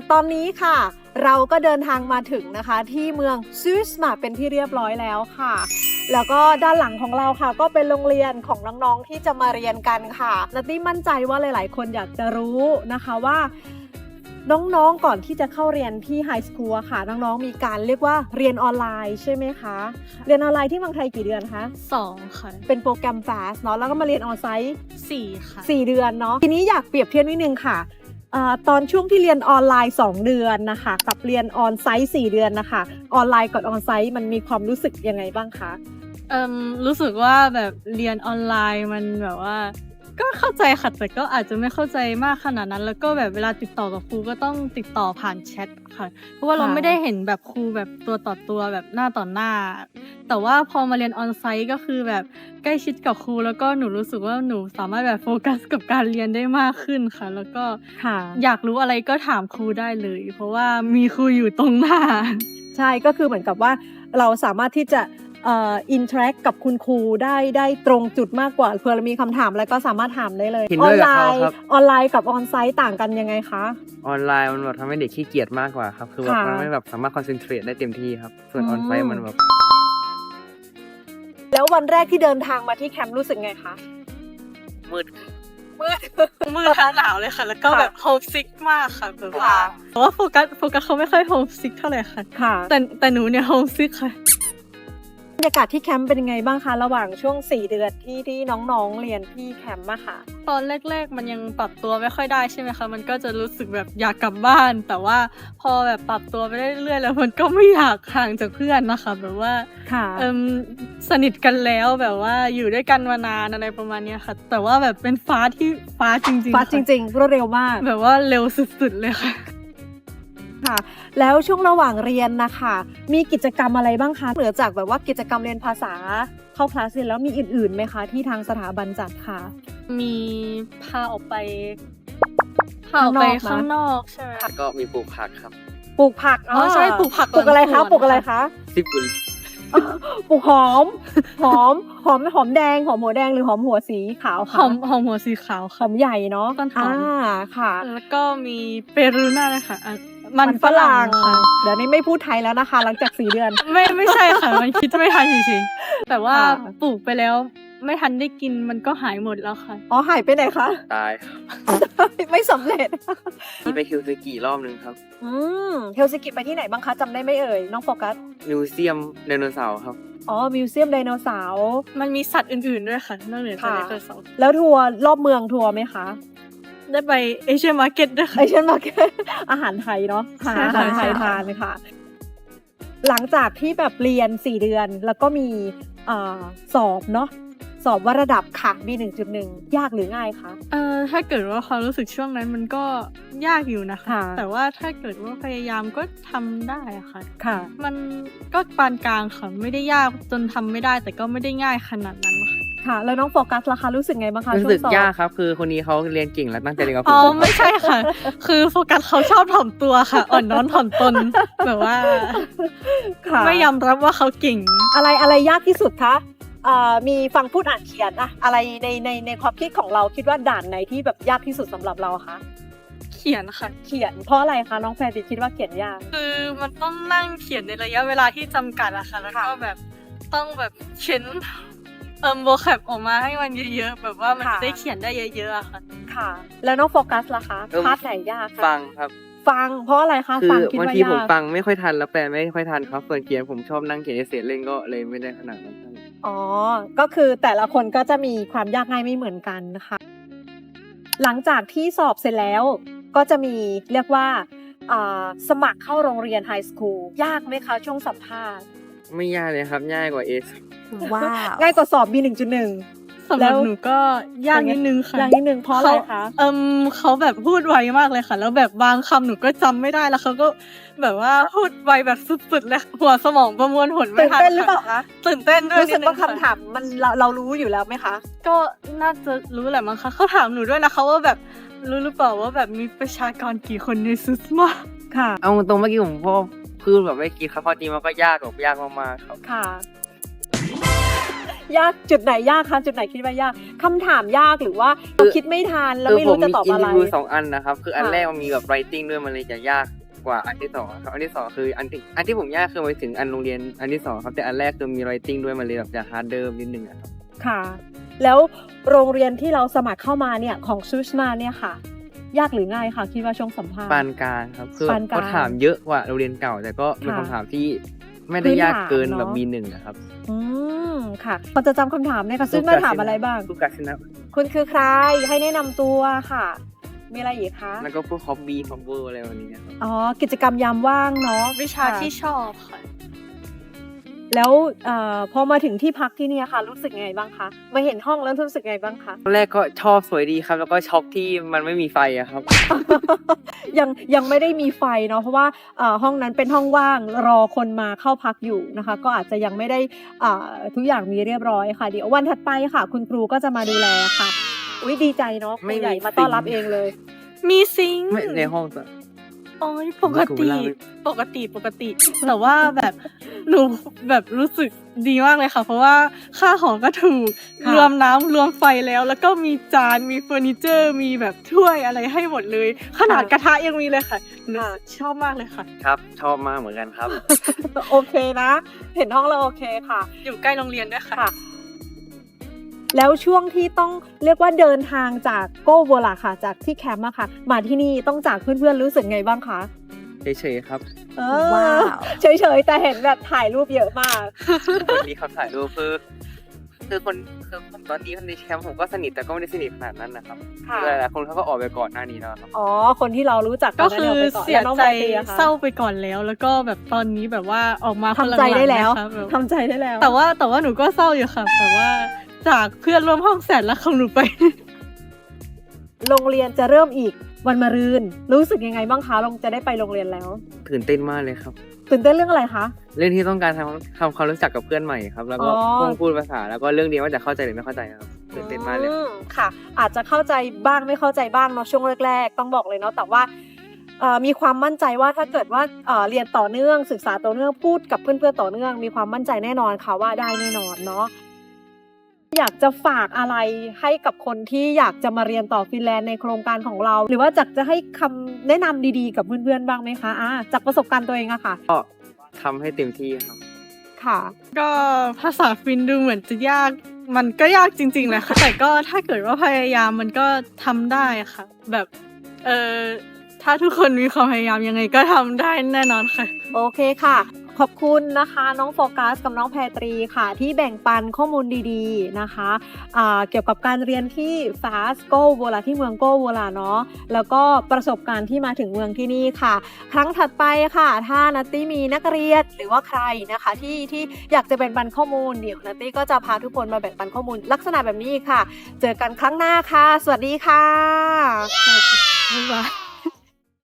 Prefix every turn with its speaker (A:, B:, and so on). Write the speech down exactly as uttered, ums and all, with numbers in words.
A: ตอนนี้ค่ะเราก็เดินทางมาถึงนะคะที่เมืองซูสมาเป็นที่เรียบร้อยแล้วค่ะแล้วก็ด้านหลังของเราค่ะก็เป็นโรงเรียนของน้องๆที่จะมาเรียนกันค่ะนัตตี้มั่นใจว่าหลายๆคนอยากจะรู้นะคะว่าน้องๆก่อนที่จะเข้าเรียนที่ไฮสคูลค่ะน้องๆมีการเรียกว่าเรียนออนไลน์ใช่ไหมคะเรียนออนไลน์ที่เมืองไทยกี่เดือนคะ
B: สองค่ะ
A: เป็นโปรแกรม Fast เนาะแล้วก็มาเรียนออนไซต์
B: สี่ค่ะ
A: สี่เดือนเนาะทีนี้อยากเปรียบเทียบนิดนึงค่ะตอนช่วงที่เรียนออนไลน์สองเดือนนะคะกับเรียนออนไซต์สี่เดือนนะคะออนไลน์กับออนไซต์มันมีความรู้สึกยังไงบ้างคะ
B: เอ่มรู้สึกว่าแบบเรียนออนไลน์มันแบบว่าก็เข้าใจค่ะแต่ก็อาจจะไม่เข้าใจมากขนาดนั้นแล้วก็แบบเวลาติดต่อกับครูก็ต้องติดต่อผ่านแชทค่ะเพราะว่าเราไม่ได้เห็นแบบครูแบบตัวต่อตัวแบบหน้าต่อหน้าแต่ว่าพอมาเรียนออนไซต์ก็คือแบบใกล้ชิดกับครูแล้วก็หนูรู้สึกว่าหนูสามารถแบบโฟกัสกับการเรียนได้มากขึ้นค่ะแล้วก็อยากรู้อะไรก็ถามครูได้เลยเพราะว่ามีครูอยู่ตรงหน้า
A: ใช่ก็คือเหมือนกับว่าเราสามารถที่จะเอ่ออินเทอร์แอคกับคุณครูได้ได้ตรงจุดมากกว่าเผื่อเรามีคำถามอะไรก็สามารถถามได้เลย
C: ออนไลน์
A: ออนไลน์กับออนไซต์ต่างกันยังไงคะ
C: ออนไลน์มันแบบทำให้เด็กขี้เกียจมากกว่าครับคือแบบมันไม่แบบสามารถคอนเซนเทรตได้เต็มที่ครับส่วนออนไซต์มันแบบ
A: แล้ววันแรกที่เดินทางมาที่แคมป์รู้สึกไงคะ
C: มืด
A: มืด
B: มืดหนาวเลยค่ะแล้วก็แบบโฮมซิกมากค่ะแบบว่าเพราะว่าโฟกัสโฟกัสเขาไม่ค่อยโฮมซิกเท่าไหร่ค่ะแต่แต่หนูเนี่ยโฮมซิกค่ะ
A: บรรยากาศที่แคมป์เป็นยังไงบ้างคะระหว่างช่วงสี่เดือนที่ที่น้องๆเรียนที่แคมป์อะค่ะ
B: ตอนแรกๆมันยังปรับตัวไม่ค่อยได้ใช่ไหมคะมันก็จะรู้สึกแบบอยากกลับบ้านแต่ว่าพอแบบปรับตัวไปเรื่อยๆแล้วมันก็ไม่อยากห่างจากเพื่อนนะคะแบบว่าเอิ่มสนิทกันแล้วแบบว่าอยู่ด้วยกันมานานอะไรประมาณนี้ค่ะแต่ว่าแบบเป็นฟ้าที่ฟ้าจริงๆ
A: ฟ้าจริงๆรวดเร็วมาก
B: แบบว่าเร็วสุดๆเลยค่ะ
A: ค่ะแล้วช่วงระหว่างเรียนนะคะมีกิจกรรมอะไรบ้างคะเหนือจากแบบว่ากิจกรรมเรียนภาษาเข้าคลาสเรียนแล้วมีอื่นๆไหมคะที่ทางสถาบันจัดค่ะ
B: มีพาออกไปพาออกไปข้างนอกใช่ไหม
C: ก็มีปลูกผักครับ
A: ปลูกผัก
B: อ๋อใช่ปลูกผัก
A: ปลูกอะไรคะปลูกอะไรคะ
C: ซิบุล
A: ปลูกหอมหอมหอมหอมแดงหอมหัวแดงหรือหอมหัวสีขาว
B: หอมหอมหัวสีขาว
A: หอมใหญ่เนาะ
B: ต้นหอม
A: ค่ะ
B: แล้วก็มีเปรูน่าเลยค่ะมันฝรั่งค่ะ
A: เดี๋ยวนี้ไม่พูดไทยแล้วนะคะหลังจากสี่เดือน
B: ไม่ไม่ใช่ค่ะมันคิดไม่ทันจริงๆแต่ว่าปลูกไปแล้วไม่ทันได้กินมันก็หายหมดแล้วค่ะ
A: อ๋อหายไปไหนคะ
C: ตาย
A: ไม่สำเร็จ
C: มีไปฮิลซิกิรอบนึงครับ
A: อืมฮิลซิกิไปที่ไหนบ้างคะจำได้ไหมเอ่ยน้องโฟกัส
C: มิวเซียมไดโนเสาร์ครับ
A: อ๋อมิวเซียมไดโนเสาร์
B: มันมีสัตว์อื่นๆด้วยค่ะนอกเหนือจากไดโนเสาร์
A: แล้วทัวร์รอบเมืองทัวร์ไหมคะ
B: ได้ไปเอเชียมาร์เก็ตด้วยค่ะ
A: เอเชียมาร์เก็ตอาหารไทยเนาะหาอาหารไทยทานค่ะหลังจากที่แบบเรียนสี่เดือนแล้วก็มีสอบเนาะสอบว่าระดับค่ะ บี หนึ่งจุดหนึ่ง ยากหรือง่ายคะ
B: เออถ้าเกิดว่าความรู้สึกช่วงนั้นมันก็ยากอยู่นะคะแต่ว่าถ้าเกิดว่าพยายามก็ทำได้ค่ะ
A: ค่ะ
B: มันก็ปานกลางค่ะไม่ได้ยากจนทำไม่ได้แต่ก็ไม่ได้ง่ายขนาดนั้นค่ะ
A: ค่ะแล้วน้องโฟกัสล่ะคะรู้สึกไงบ้างคะ
C: รู้สึกยากครับคือคนนี้เขาเรียนเก่งและตั้งใจเรียนกับผม
B: อ๋อไม่ใช่ค่ะคือโฟกัสเขาชอบถ่อมตัวค่ะอ่อนน้อมถ่อมตนแบบว่าไม่ยอมรับว่าเขาเก่ง
A: อะไรอะไรยากที่สุดคะมีฟังพูดอ่านเขียนอะอะไรในในในความคิดของเราคิดว่าด่านไหนที่แบบยากที่สุดสำหรับเราคะ
B: เขียนค่ะ
A: เขียนเพราะอะไรคะน้องแฟนติคิดว่าเขียนยาก
B: คือมันต้องนั่งเขียนในระยะเวลาที่จำกัดอะค่ะแล้วก็แบบต้องแบบเขียนเอิมโวแคปออกมาให้มันเยอะๆแบบว่ามันจะได้เขียนได้เยอะๆอะค่ะ
A: ค่ะแล้วน้องโฟกัสล่ะคะพาร์ทไหนยากคะ
C: ฟังครับ
A: ฟังเพราะอะไรคะ
C: ฟังคิดว่ายากคือบางทีผมฟังไม่ค่อยทันแล้วแปลไม่ค่อยทันครับส่วนเขียนผมชอบนั่งเขียนเสร็จเล่นก็เลยไม่ได้ขนาดนั้น
A: อ๋อก็คือแต่ละคนก็จะมีความยากง่ายไม่เหมือนกันนะคะหลังจากที่สอบเสร็จแล้วก็จะมีเรียกว่าสมัครเข้าโรงเรียนไฮสคูลยากไหมคะช่วงสัมภาษณ์
C: ไม่ยากเลยครับง่ายกว่าเอส
A: ว้าวง่ายกว่าสอบ บี หนึ่งจุดหนึ่ง
B: สำหรับหนูก็ยากนิดนึงค่ะ
A: ยากนิดนึงเพราะอะไรคะ
B: เอิมเขาแบบพูดไวมากเลยค่ะแล้วแบบบางคำหนูก็จำไม่ได้แล้วเขาก็แบบว่าพูดไวแบบสุดๆเลยหัวสมองประมวลผลไม่ทัน
A: ตื่นเต้นหรือเปล่าคะ
B: ตื่นเต้นด้วย
A: รู้สึกว่าคำถามมันเราเรารู้อยู่แล้วไหมคะ
B: ก็น่าจะรู้แหละมั้งคะเขาถามหนูด้วยนะคะว่าแบบรู้หรือเปล่าว่าแบบมีประชากรกี่คนในซูสมา
A: ค่ะ
C: เอาตรงเมื่อกี้ผมพ่อคือแบบไม่คิดครับพอจริงมันก็ยากแบบยากมากๆครับ
A: ค่ะยากจุดไหนยากคะจุดไหนคิดว่ายากคำถามยากหรือว่าเราคิดไม่ทันแล้วไม่รู้จะตอบอะไร
C: คือผมมีอินทิวสองอันนะครับคืออันแรกมันมีแบบ writing ด้วยมันเลยจะยากกว่าอันที่สองครับอันที่สองคืออันที่อันที่ผมยากคือไปถึงอันโรงเรียนอันที่สองครับแต่อันแรกคือมี writing ด้วยมันเลยแบบจะ harder นิดนึงอะครับ
A: ค่ะ แล้วโรงเรียนที่เราสมัครเข้ามาเนี่ยของซูสมาเนี่ยค่ะ ยากหรือง่ายคะคิดว่าช่วงสัมภาษณ์
C: ปานกลางครับคือ
A: ปานกลาง
C: เขาถามเยอะกว่าโรงเรียนเก่า แต่ก็เป็น
A: ค่ะ
C: คำถามที่ไม่ได้ยากเกิน
A: พื้นฐานเนอะ
C: แบบ บี หนึ่ง นะครับ
A: อืมค่ะพอจะจำคำถามได้ค่ะซูสมาถามอะไรบ้าง
C: ลูกกาศินะ
A: คุณคือใครให้แนะนำตัวค่ะ มีอะไรอีกคะ
C: แล้วก็พวก hobby cover อะไรแบบนี้ครับ
A: อ๋อกิจกรรมยามว่างเนาะ
B: วิชา
A: ค่ะ
B: ที่ชอบค่ะ
A: แล้วเอ่อพอมาถึงที่พักที่เนี่ยค่ะ รู้สึกไงบ้างคะมาเห็นห้องแล้วรู้สึกไงบ้างคะ
C: ตอนแรกก็ชอบสวยดีครับ แล้วก็ช็อกที่มันไม่มีไฟอะครับ
A: ยังยังไม่ได้มีไฟเนาะเพราะว่าเอ่อห้องนั้นเป็นห้องว่างรอคนมาเข้าพักอยู่นะคะ ก็อาจจะยังไม่ได้อ่าทุกอย่างมีเรียบร้อยค่ะ เดี๋ยววันถัดไปค่ะ คุณครูก็จะมาดูแลค่ะอุ้ยดีใจเนาะครู
C: ไม่มี
A: ใหญ่มาต้อนรับ
C: ซิงค์
A: เองเลย
B: มีซิงค์
C: ไม่ในห้องจะ
B: โอ้ยปกติ
C: ผมว่ากูเล่า
B: ปกติปกติ แต่ว่าแบบหนูแบบรู้สึกดีมากเลยค่ะ เพราะว่าค่าหอก็ถูก
A: ค่ะ
B: รวมน้ำรวมไฟแล้ว แล้วก็มีจานมีเฟอร์นิเจอร์ มีแบบถ้วยอะไรให้หมดเลย ขนาดกระทะยังมีเลยค่ะหนูชอบมากเลยค่ะ
C: ครับ ชอบมากเหมือนกันครับ
A: โอเคนะ เห็นห้องแล้วโอเคค่ะ
B: อยู่ใกล้โรงเรียนด้วยค่ะ
A: ค่ะ แล้วช่วงที่ต้องเรียกว่าเดินทางจากโกโวลาค่ะ จากที่แคมป์อะค่ะ มาที่นี่ต้องจากเพื่อนๆรู้สึกไงบ้างคะ
C: เฉยๆครับ
A: เออ
B: ว้าว
A: เฉยๆแต่เห็นแบบถ่ายรูปเยอะมาก
C: วันนี้เขาถ่ายรูปคือคือคนคือคนตอนนี้คนในแคมป์ผมก็สนิทแต่ก็ไม่ได้สนิทขนาดนั้นนะครับ
A: ค่ะ
C: หลายๆคนเขาก็ออกไปก่อนหน้านี้แล้วครับ
A: อ๋อ คนที่เรารู้จัก
B: ก็
A: น
B: คือ
A: นี่ไปก่น
B: เสีย
A: แล้วน้อง
B: ใจ
A: แพตตี้อะคะ
B: เศร้าไปก่อนแล้ว แล้วก็แบบตอนนี้แบบว่าออกมาคน
A: ทำใจได้แล้ว
B: หงๆนะคะแบบ
A: ทำใจได้แล้ว
B: แต่ว่าแต่ว่าหนูก็เศร้าอยู่ค่ะแต่ว่าจากเพื่อนร่วมห้องแสนรักของหนูไป
A: โรงเรียนจะเริ่มอีกวันมะรืน รู้สึกยังไงบ้างคะลงจะได้ไปโรงเรียนแล้ว
C: ตื่นเต้นมากเลยครับ
A: ตื่นเต้นเรื่องอะไรคะ
C: เรื่องที่ต้องการทำทำความรู้จักกับเพื่อนใหม่ครับ แล้วก็
A: อ๋อ
C: พูดพูดภาษาแล้วก็เรื่องเดียวว่าจะเข้าใจหรือไม่เข้าใจครับตื่นเต้นมากเลย
A: อืมค่ะ อาจจะเข้าใจบ้างไม่เข้าใจบ้างเนาะช่วงแรกๆต้องบอกเลยเนาะแต่ว่าเอ่อมีความมั่นใจว่าถ้าเกิดว่าเอ่อเรียนต่อเนื่องศึกษาต่อเนื่องพูดกับเพื่อนๆต่อเนื่องมีความมั่นใจแน่นอนค่ะว่าได้แน่นอนเนาะอยากจะฝากอะไรให้กับคนที่อยากจะมาเรียนต่อฟินแลนด์ในโครงการของเรา หรือว่าอยากจะให้คำแนะนำดีๆกับเพื่อนๆบ้างไหมคะอ่าจากประสบการณ์ตัวเองอะค่ะ
C: ก็ทำให้เต็มที่ครับ
A: ค่ะ
B: ก็ภาษาฟินดูเหมือนจะยาก มันก็ยากจริงๆแหละค่ะ แต่ก็ถ้าเกิดว่าพยายามมันก็ทำได้ค่ะ แบบเออถ้าทุกคนมีความพยายามยังไงก็ทำได้แน่นอนค่ะ
A: โอเคค่ะ ขอบคุณนะคะน้องโฟกัสกับน้องแพรตรีค่ะ ที่แบ่งปันข้อมูลดีๆนะคะอ่าเกี่ยวกับการเรียนที่ Fast Go โวลาที่เมืองโกโวลาเนาะแล้วก็ประสบการณ์ที่มาถึงเมืองที่นี่ค่ะ ครั้งถัดไปค่ะ ถ้านัตตี้มีนักเรียนหรือว่าใครนะคะที่ที่อยากจะแบ่งปันข้อมูลเดี๋ยวนัตตี้ก็จะพาทุกคนมาแบ่งปันข้อมูลลักษณะแบบนี้อีกค่ะ เจอกันครั้งหน้าค่ะ สวัสดีค่ะ
B: บ๊ายบาย